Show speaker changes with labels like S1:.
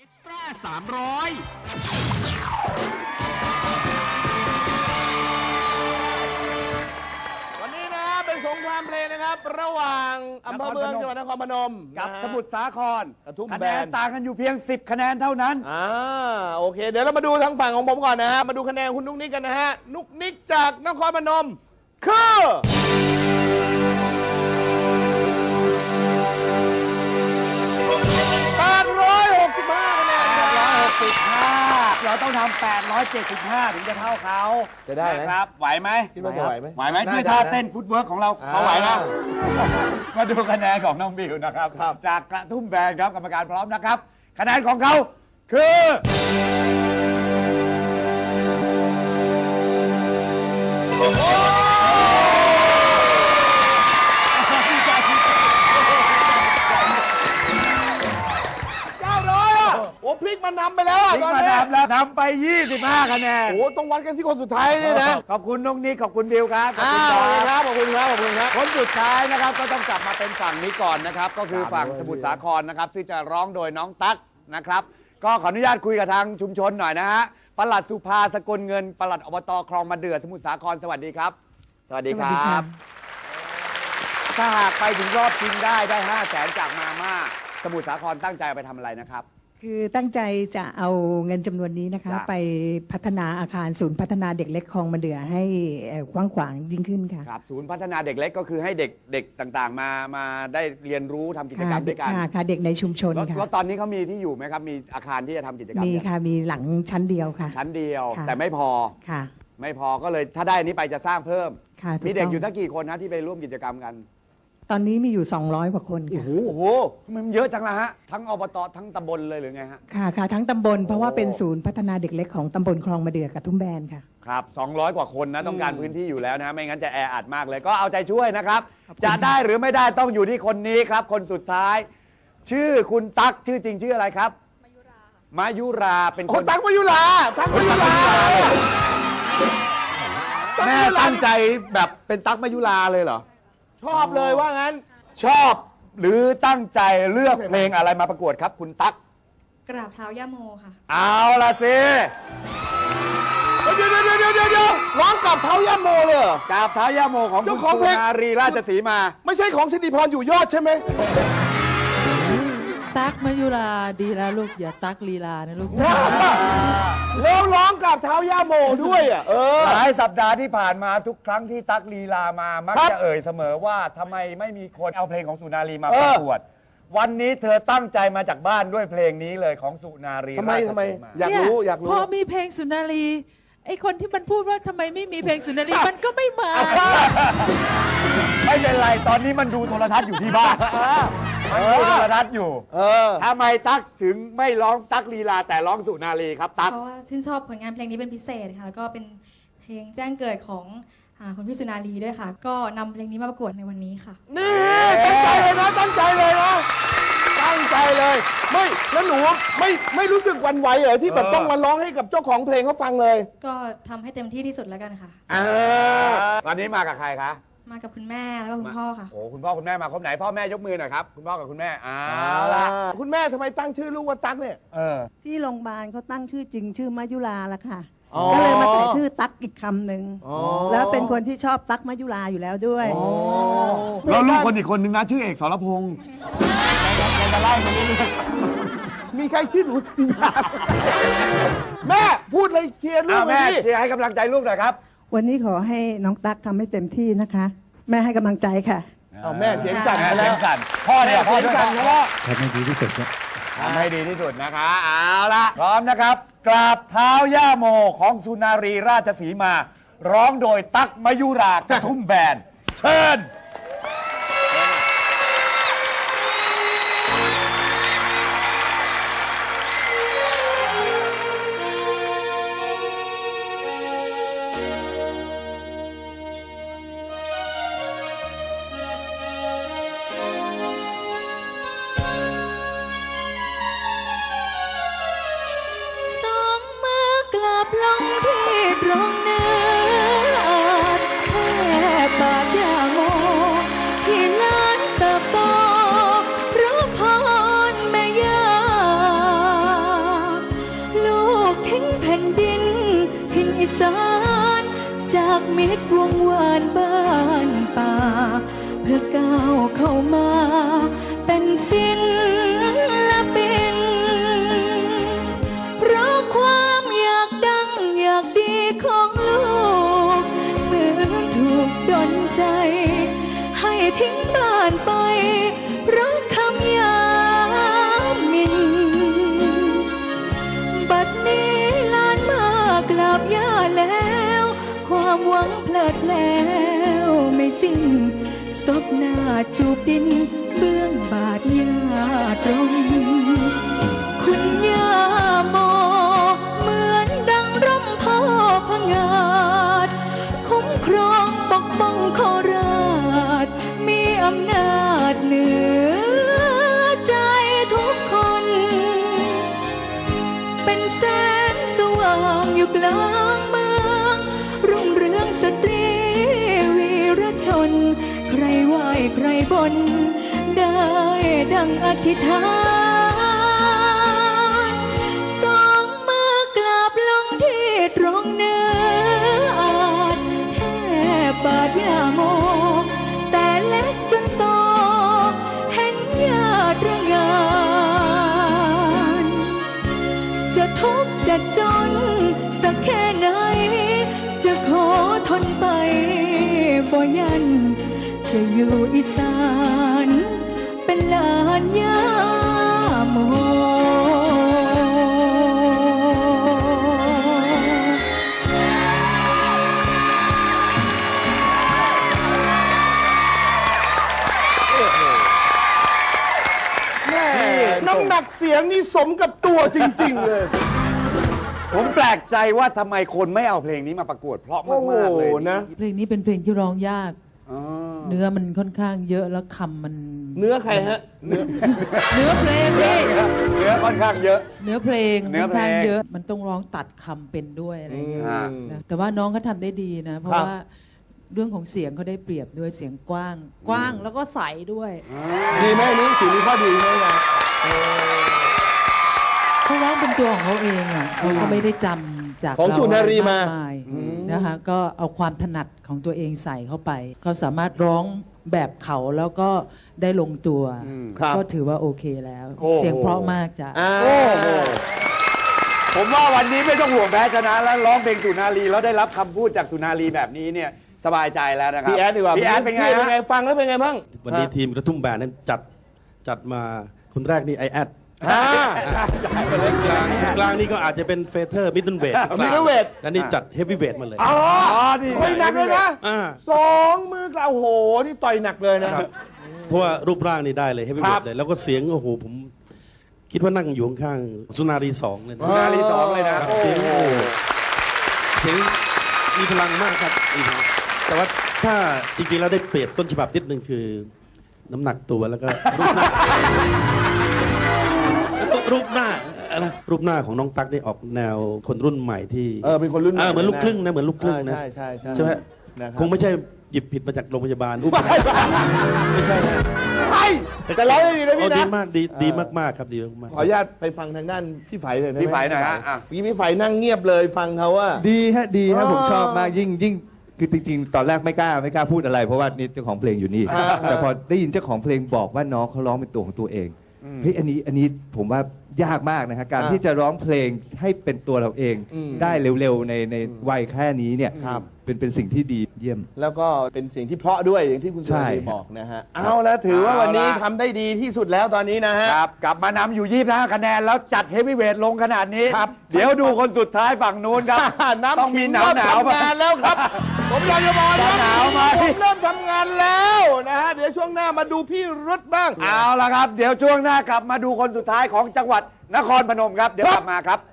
S1: เอ็กซ์ตร้า300
S2: วันนี้นะเป็นสงครามเพลงนะครับระหว่างอำเภอเมืองจังหวัดนครพนม
S3: กับสมุทรสาคร
S2: กระทุ่ม
S3: คะ
S2: แบ
S3: แนน
S2: น
S3: ต่างกันอยู่เพียง10คะแนนเท่านั้น
S2: โอเคเดี๋ยวเรามาดูทางฝั่งของผมก่อนนะฮะมาดูคะแนนคุณนุกนิกกันนะฮะนุกนิกจากนครพนมคือ865คะแนน
S3: 865เราต้องทำ875ถึงจะเท่าเขา
S2: จะได้ไหม
S3: นะครับไหวไหม
S2: คิดว่าจะไหวไหม
S3: ไหวไหม
S2: ได้
S3: ด้วยท่า
S2: ได้
S3: เต้นฟุตเวิร์กของเราเขาไหวนะมาดูคะแนนของน้องบิวนะครับ จากกระทุ่มแบนครับกรรมการพร้อมนะครับ คะแนนของเขาคือ
S2: โอ้พลิกมานำไปแล้วอ่ะ
S3: ทิ้ง
S2: ตอน
S3: มา
S2: นี้
S3: นำแล้วทำไป25คะแนน
S2: โอ้ต้องวัดกันที่คนสุดท้ายนี่นะ
S3: ขอบคุณน้องนิกขอบคุณบิวครับขอบ
S2: ขอบ
S3: คุณ
S2: คุณ
S3: ค
S2: ครับ รับขอบคุณครับขอบคุณครับ
S3: คนสุดท้ายนะครับก็ต้องกลับมาเป็นฝั่งนี้ก่อนนะครับก็คือฝั่งสมุทรสาครนะครับซึ่งจะร้องโดยน้องตั๊กนะครับก็ขออนุญาตคุยกับทางชุมชนหน่อยนะฮะปลัดสุภาสกลเงินปลัดอบตคลองมะเดื่อสมุทรสาครสวัสดีครับสวัสดีครับถ้าหากไปถึงรอบชิงได้500,000จากมาม่าสมุทรสาครตั้งใจเอาไปทำอะไรนะครับ
S4: คือตั้งใจจะเอาเงินจำนวนนี้นะคะ
S3: จ้ะ
S4: ไปพัฒนาอาคารศูนย์พัฒนาเด็กเล็กคลองมะเดื่อให้กว้างขวางยิ่งขึ้นค่ะ
S3: ครับศูนย์พัฒนาเด็กเล็กก็คือให้เด็กต่างๆมาได้เรียนรู้ทำกิจกรรมด้วยกัน
S4: ค่ะเด็กในชุมชนค่ะ
S3: แล้วตอนนี้เขามีที่อยู่ไหมครับมีอาคารที่จะทำกิจกรรม
S4: มี
S3: เนี่ย
S4: ค่ะมีหลังชั้นเดียวค่ะ
S3: ชั้นเดียว
S4: ค่ะ
S3: แต่ไม่พอ
S4: ค่ะ
S3: ไม่พอก็เลยถ้าได้อันนี้ไปจะสร้างเพิ่ม
S4: ค่ะถู
S3: มี
S4: ต้
S3: เด็กอยู่สักกี่คนนะที่ไปร่วมกิจกรรมกัน
S4: ตอนนี้มีอยู่200กว่าคนค่ะ
S3: โอ้โหทำไมมันเยอะจังล่ะฮะทั้งอบตทั้งตำบลเลยหรือไงฮะ
S4: ค่ะทั้งตำบลเพราะว่าเป็นศูนย์พัฒนาเด็กเล็กของตำบลคลองมะเดื่อกับทุ่มแบนค่ะ
S3: ครับ200 กว่าคนนะต้องการพื้นที่อยู่แล้วนะไม่งั้นจะแออัดมากเลยก็เอาใจช่วยนะครับ จะได้หรือไม่ได้ต้องอยู่ที่คนนี้ครับ คนสุดท้าย ชื่อคุณตั๊กชื่อจริงชื่ออะไรครับมายุราเป็นค
S2: โอ้
S3: น
S2: ตังมายุราตังมายุรา
S3: แม่ตั้งใจแบบเป็นตั๊กมายุราเลยเหรอ
S2: ชอบเลยว่างั้น
S3: ชอบหรือตั้งใจเลือกเพลงอะไรมาประกวดครับ คุณตั๊ก
S5: กราบเท้าย่าโมค่ะ
S3: เอาละสิ
S2: เดี๋ยวร้องกับเท้าย่าโมเลยเหรอก
S3: ราบเท้าย่าโมของคุ
S2: เจ้า
S3: ณ
S2: ของ
S3: สุ
S2: เพลง
S3: นารีราชสีมา
S2: ไม่ใช่ของสิริพรอยู่ยอดใช่ไหม
S6: ตักมายุราดีแล้วลูกอย่าตักลีลานะลูก
S2: แล้วร้องกับเท้าย่าโมด้วยอ่ะ
S3: หลายสัปดาห์ที่ผ่านมาทุกครั้งที่ตั๊กลีลามามัก
S2: ครับ
S3: จะเอ่ยเสมอว่าทำไมไม่มีคนเอาเพลงของสุนารีมาประกวด วันนี้เธอตั้งใจมาจากบ้านด้วยเพลงนี้เลยของสุนารี
S2: ทำไม
S3: ราช
S2: ทำไม
S3: สีมา
S2: อยากรู้อยากรู้
S6: พอมีเพลงสุนารีไอคนที่มันพูดว่าทำไมไม่มีเพลงสุนารีมันก็ไม่มา
S3: ไม่เป็นไรตอนนี้มันดูโทรทัศน์อยู่ที่บ้านมันดูโทรทัศน์อยู่ทำไมตั๊กถึงไม่ร้องตั๊กลีลาแต่ร้องสุนารีครับตั๊ก
S5: เพราะว่าชื่นชอบผลงานเพลงนี้เป็นพิเศษค่ะ แล้วก็เป็นเพลงแจ้งเกิดของคุณพี่สุนารีด้วยค่ะ ก็นำเพลงนี้มาประกวดในวันนี้ค่ะ
S2: นี่ตั้งใจเลยนะตั้งใจเลยนะตั้งใจเลยไม่แล้วหนูไม่รู้สึกหวันไหวเหรอที่แบบต้องมาร้องให้กับเจ้าของเพลงเขาฟังเลย
S5: ก็ทำให้เต็มที่ที่สุดแล้วกันค่ะ
S3: วันนี้มากับใครคะ
S5: มากับคุณแม่แล้วก็คุณพ่อค่ะ
S3: โอ้คุณพ่อคุณแม่มาครบไหนพ่อแม่ยกมือหน่อยครับคุณพ่อกับคุณแม่เอาละ
S2: คุณแม่ทำไมตั้งชื่อลูกว่าตั๊กเนี่ย
S7: ที่โรงพยาบาลเขาตั้งชื่อจริงชื่อมายุราละค่ะ
S2: อ๋อ
S7: ก็เลยมาใส่ชื่อตั๊กอีกคำหนึ่ง
S2: อ๋อ
S7: แล้วเป็นคนที่ชอบตั๊กมายุราอยู่แล้วด้วย
S3: แล้วลูกคนอีกคนนึงนะชื่อเอกสรพงศ์จะไล่มาเรื่อย
S2: มีใครชื่อหนูสัญญาแม่พูดเลยเชียร์ลูก
S3: แม่
S2: เลย
S3: เชียร์ให้กำลังใจลูกหน่อยครับ
S7: วันนี้ขอให้น้องตั๊กทำให้เต็มที่นะคะ แม่ให้กำลังใจค่ะ
S2: เอาแม่เสียงสั่น
S3: แม่
S2: ไป
S3: เสี
S2: แล้
S3: ยว งสั่นพ่อเนี่ยพ่อ
S2: เสียง
S3: ด้วย
S2: สั่นไปแล้ว
S3: ทำให้ดีที่สุดนะคะเอาละพร้อมนะครับกราบเท้าย่าโมของสุนารีราชสีมา ร้องโดยตั๊กมยุรากระทุ่มแบนเชิญ
S6: สองมือกลับลงที่ตรงเนื้อแค่บาดยาโม
S7: ความหวังเพลิดแล้วไม่สิ้นศพหน้าจูบดินเบื้องบาทยาตรงคุณย่าโมเหมือนดังร่มโพพงาดคุ้มครองปกป้องโคราชมีอำนาจเหนือใจทุกคนเป็นแสงสว่างอยู่กลางเมืองรุ่งเรืองสตรีวีรชนใครไหวใครบนได้ดังอธิษฐานสองมือกราบลงที่ตรงเนื้ออาจแค่บาทยาโมแต่เล็กจนโตเห็นญาติระงานจะทุกข์จะจนสักแค่ไหนจะขอทนไปบ่ยันจะอยู่อีสานเป็นหลานยาโม
S2: น้ำหนักเสียงนี่สมกับตัวจริง ๆ เลย
S3: ผมแปลกใจว่าทำไมคนไม่เอาเพลงนี้มาประกวดเพราะ
S2: โอ้โห
S3: มากๆเลย
S2: นะ
S6: เพลงนี้เป็นเพลงที่ร้องยาก
S3: อ๋อ
S6: เนื้อมันค่อนข้างเยอะแล้วคำมัน
S2: เนื้อใครฮะ เนื้อ
S6: เนื้อเพลงนี่
S3: เนื้อค่อนข้างเยอะ
S6: เนื้อเพลง
S3: เนื้
S6: ค่
S3: อ
S6: อน
S3: เพลง
S6: ข้างเยอะ มันต้องร้องตัดคำเป็นด้วยอะไรอย่างเงี้ย
S3: อืม
S6: นะแต่ว่าน้องเขาทำได้ดีนะ เพราะ
S2: ครับ
S6: ว่าเรื่องของเสียงเขาได้เปรียบด้วยเสียงกว้างแล้วก็ใสด้วย
S2: ดีไหมอันนี้ถือมีข้อดีไหมนะ
S6: เขาร้องเป็นตัวของเขาเองอ่ะเขาก็ไม่ได้จำจาก
S2: ของสุนารีมา
S6: เกยนะคะก็เอาความถนัดของตัวเองใส่เข้าไปเขาสามารถร้องแบบเขาแล้วก็ได้ลงตัว
S2: ครับ
S6: ก็ถือว่าโอเคแล้ว
S3: โอ้โห
S6: เสียงเพราะมากจ้ะ
S3: โอ้โหผมว่าวันนี้ไม่ต้องห่วงแพ้ชนะแล้วร้องเพลงสุนารีแล้วได้รับคำพูดจากสุนารีแบบนี้เนี่ยสบายใจแล้วนะครับ
S2: พี่แอดดีกว่า
S3: พี่แอดเป็นไง
S2: พี่
S3: ฮะ
S2: ฟังแล้วเป็นไงบ้าง
S1: วันนี้ทีมกระทุ่มแบนนั้นจัดมาคนแรกนี่ไอแอด
S2: อ่า
S1: กลางนี่ก็อาจจะเป็นเฟเธอร์มิดเดิลเวท
S2: middleweight
S1: และนี่จัดเฮฟวีเวทมาเลย
S2: อ๋อต่อยหนักเลยนะ
S1: อ่า
S2: สองมือกล่าวโอ้โห นี่ต่อยหนักเลยนะ
S1: เพราะว่ารูปร่างนี่ได้เลยเฮฟวี
S2: ค
S1: เว
S2: รั
S1: ท
S2: บ
S1: เลย แล้วก็เสียงโอ้โหผมคิดว่านั่งอยู่ข้างๆสุนารีสองเลยนะ
S3: สุนารีสองเลยนะ
S1: ครับ
S3: โอ้
S1: เสียง
S3: โห
S1: เสียงมีพลังมากครับแต่ว่าถ้าจริงๆแล้วได้เปรียบต้นฉบับนิดนึงคือน้ำหนักตัวแล้วก็รูปหน้ารูปหน้าของน้องตั๊กนี่ออกแนวคนรุ่นใหม่ที่
S2: เป็นคนรุ่นใหม่
S1: เหมือนลูกครึ่งนะเหมือนลูกครึ่งนะ
S2: ใช่ใช่ใช่
S1: ใช่ไหม
S2: นะครับ
S1: คงไม่ใช่หยิบผิดมาจากโรงพยาบาลไม่ใช่นะ
S2: ไอ้แต่ร้องได้ดีนะ
S1: โอ้
S2: พี่
S1: ดี
S2: นะ
S1: มากดีมากๆครับดีมาก
S2: ขออนุญาตไปฟังทางด้านพี่ไฝเลยนะ
S3: พี่ไฝหน่อยฮะอ่ะ
S2: เมื่อกี้พี่ไฝนั่งเงียบเลยฟังเขาว่า
S8: ดีฮะดีฮะ
S2: อ๋อ
S8: ผมชอบมากยิ่งคือจริงๆ ตอนแรกไม่กล้าพูดอะไร เพราะว่านี่เจ้าของเพลงอยู่นี่ แต่พอได้ยินเจ้าของเพลงบอกว่าน้องเขาร้องเป็นตัวของตัวเองเฮ้ยอันนี้ผมว่ายากมากนะฮะการที่จะร้องเพลงให้เป็นตัวเราเอง ได้เร็วๆในวัยแค่นี้เนี่ยเป็นสิ่งที่ดีเยี่ยม
S2: แล้วก็เป็นสิ่งที่เพราะด้วยอย่างที่คุณสุ
S8: ใช่
S2: รีบอกนะฮะเอาแล้วถือว่าวันนี้ทำได้ดีที่สุดแล้วตอนนี้นะฮะ
S3: ครับกลับมานำอยู่25คะแนนแล้วจัดเฮฟวีเวทลงขนาดนี้
S2: ครับ
S3: เดี๋ยวดูคนสุดท้ายฝั่งนู้นครับ ต้องมีหนาว
S2: ทำงานแล้วครับ ผมอยากจะบอกนะ
S3: หนาวไหม
S2: ผมเริ่มทำงานแล้วนะฮะเดี๋ยวช่วงหน้ามาดูพี่รุดบ้าง
S3: เอาละครับ เดี๋ยวช่วงหน้ากลับมาดูคนสุดท้ายของจังหวัดนครพนมครับ เดี๋ยวกลับมาครับ